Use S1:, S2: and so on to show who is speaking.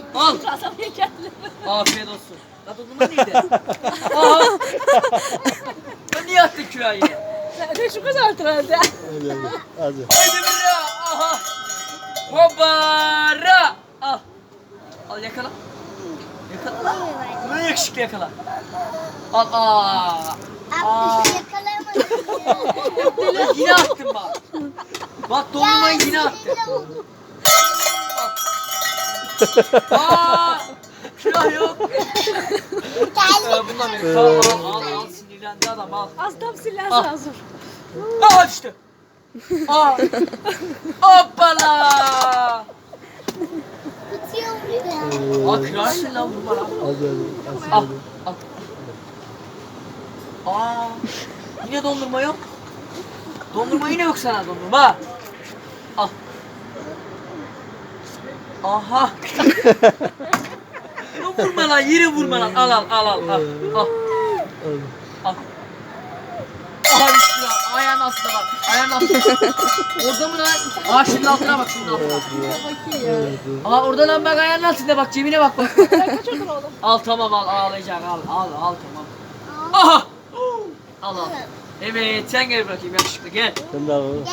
S1: Al.
S2: Kazanmaya geldim.
S1: Afiyet olsun. La dondurma neydi? Aha. Ben niye attın küreği?
S2: Ne şu kadar herhalde.
S3: Hadi hadi. Hadi.
S1: Haydi bira. Aha. Hoppara. Al. Al yakala. Yakala lan. Bunu yakışıklı yakala. Al. Aa. Aa. Yine attın bak. Bak dondurmayı yine attın. Aa. Külah yok. Bundan benim. Tamam al sinirlendi adam al.
S2: Az tam silah
S1: Al.
S2: hazır.
S1: Aa işte. Aa. Hoppala. Aa kırarsın lan bu bana.
S3: Hadi hadi.
S1: Al. Al. Aa. Yine dondurma yok. Dondurma yine yok sana dondurma. Al. Aha. Vurma lan yine vurma lan. Al. Al. Al. Aha düştü lan. Ayağın altında bak. Ayağın altında. Orada mı lan? Aa şunun altına bak şunun altına. Aa orada lan bak ayağın altında bak cebine bak bak.
S2: Sen kaçırdın oğlum.
S1: Al tamam al ağlayacak al tamam. Aha. Al. Evet sen gel bakayım yakışıklı gel.
S3: Sen de al.